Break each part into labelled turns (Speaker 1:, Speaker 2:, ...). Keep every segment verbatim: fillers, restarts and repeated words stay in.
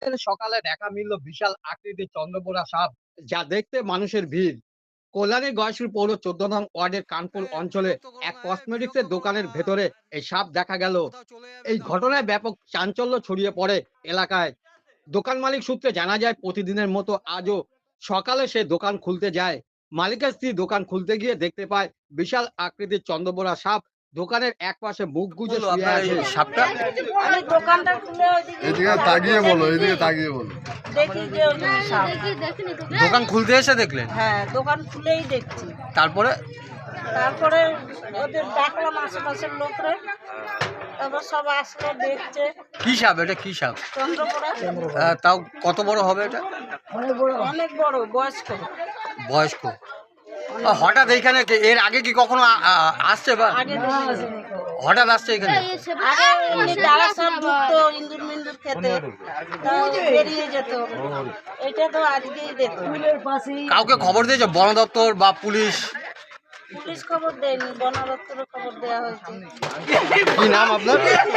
Speaker 1: সকালে দেখা মিলল বিশাল আকৃতির চন্দ্রবোরা সাপ, যা দেখতে মানুষের ভিড়। কল্যাণী গয়েশপুর পৌর চোদ্দ নং ওয়ার্ডের কানপুর
Speaker 2: এ
Speaker 1: অঞ্চলে
Speaker 2: বিরক্ত করো
Speaker 1: এক
Speaker 2: না, এ বিরক্ত
Speaker 1: কসমেটিক্সের
Speaker 2: করো
Speaker 1: দোকানের
Speaker 2: না।
Speaker 1: ভেতরে এই সাপ দেখা গেল।
Speaker 2: কোথাও চলে যাবে
Speaker 1: এই
Speaker 2: তাহলে।
Speaker 1: ঘটনায় ব্যাপক চাঞ্চল্য ছড়িয়ে পড়ে এলাকায়। দোকান মালিক সূত্রে জানা যায়, প্রতিদিনের মতো আজও সকালে সে দোকান খুলতে যায়। মালিকের স্ত্রী দোকান খুলতে গিয়ে দেখতে পায় বিশাল আকৃতির চন্দ্রবোরা সাপ দোকানের এক পাশে মুখ গুজে
Speaker 2: বললো
Speaker 1: শুয়ে
Speaker 2: আপনার এই
Speaker 1: আছে।
Speaker 2: সাপটা
Speaker 3: আমি দোকানটা খুলে ওইদিকে
Speaker 4: এদিকে তাকিয়ে বলো, এদিকে তাকিয়ে বলো।
Speaker 3: দেখি যে ওই সাপ।
Speaker 2: দোকান খুলতে এসে দেখলেন,
Speaker 3: হ্যাঁ, দোকান খুলেই দেখছি।
Speaker 2: তারপরে
Speaker 3: তারপরে ওদের ডাকলাম আশেপাশের লোকরা, তারপর সব আসলো দেখছে।
Speaker 2: কি সাপ? এটা কি সাপ?
Speaker 3: চন্দ্রপোড়া
Speaker 2: আহ, তাও কত বড় হবে এটা?
Speaker 3: অনেক বড়, বয়স্ক।
Speaker 2: বয়স্ক। আহ, হঠাৎ এইখানে কে- এর আগে কি কখনো আ- আ- আসছে বা
Speaker 3: আগে দেখিনি।
Speaker 2: হঠাৎ আসছে এখানে?
Speaker 3: আগে এমনি যারা সব ঢুকতো ইন্দুর মিন্দুর খেতে, তা বেরিয়ে যেত। এটা তো আজকেই দেখলাম।
Speaker 2: কাউকে খবর দিয়েছে বন দপ্তর বা পুলিশ?
Speaker 3: পুলিশ খবর দেয়নি, বন দপ্তরে খবর দেওয়া হয়েছে।
Speaker 2: কি নাম আপনার?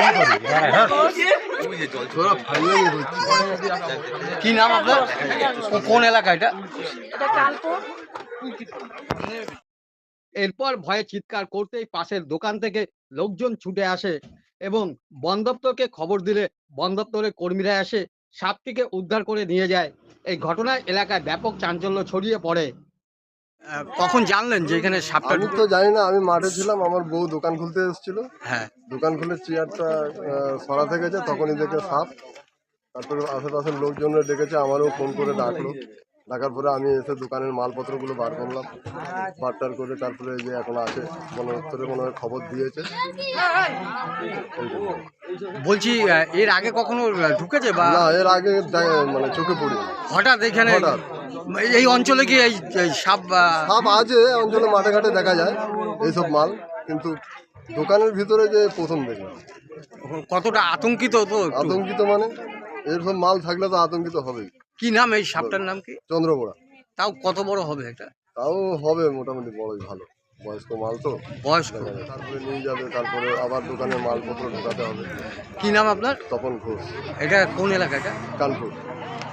Speaker 2: কি নাম আপনার? কো- কোন এলাকা এটা?
Speaker 3: এটা কানপুর।
Speaker 1: এরপর ভয়ে চিৎকার করতেই পাশের দোকান থেকে লোকজন ছুটে আসে এবং বন দপ্তরকে খবর দিলে বন দপ্তরের কর্মীরা এসে সাপটিকে উদ্ধার করে নিয়ে যায়। এই ঘটনায় এলাকায় ব্যাপক চাঞ্চল্য ছড়িয়ে পড়ে।
Speaker 2: আহ, কখন জানলেন যে এখানে সাপটা
Speaker 4: আমি
Speaker 2: ঢুকে?
Speaker 4: তো জানি না, আমি মাঠে ছিলাম, আমার বউ দোকান খুলতে এসেছিল।
Speaker 2: হ্যাঁ,
Speaker 4: দোকান খুলে চেয়ারটা সরাতে গেছে, তখনই দেখে সাপ। তারপরে আশেপাশের লোকজনরা ডেকেছে, আমারও ফোন করে ডাকলো। ডাকার পরে আমি এসে দোকানের মালপত্রগুলো বার করলাম, বারটার করে। তারপরে এই যে এখন আছে, বন দপ্তরে মনে হয় খবর দিয়েছে। এইটুকু।
Speaker 2: বলছি আহ, এর আগে কখনো আহ, ঢুকেছে বা
Speaker 4: না, এর আগে দে- মানে চোখে পড়ি।
Speaker 2: হঠাৎ এখানে
Speaker 4: হঠাৎ।
Speaker 2: এই অঞ্চলে কি এই এই সাপ আহ,
Speaker 4: সাপ আছে অঞ্চলে, মাঠে ঘাটে দেখা যায় এইসব মাল, কিন্তু দোকানের ভিতরে যে প্রথম দেখলাম।
Speaker 2: কতটা আতঙ্কিত তো একটু?
Speaker 4: আতঙ্কিত মানে এরকম মাল থাকলে তো আতঙ্কিত হবেই।
Speaker 2: কি নাম এই সাপটার নাম কি?
Speaker 4: চন্দ্রপোড়া।
Speaker 2: তাও কত বড় হবে এটা?
Speaker 4: তাও হবে মোটামুটি বড়ই, ভালো বয়স্ক মাল তো।
Speaker 2: বয়স্ক।
Speaker 4: দেখা যায়। তারপরে নিয়ে যাবে, তারপরে আবার দোকানের মালপত্র ঢোকাতে হবে।
Speaker 2: কি নাম আপনার?
Speaker 4: তপন ঘোষ,
Speaker 2: এটা কোন এলাকা এটা?
Speaker 4: কানপুর।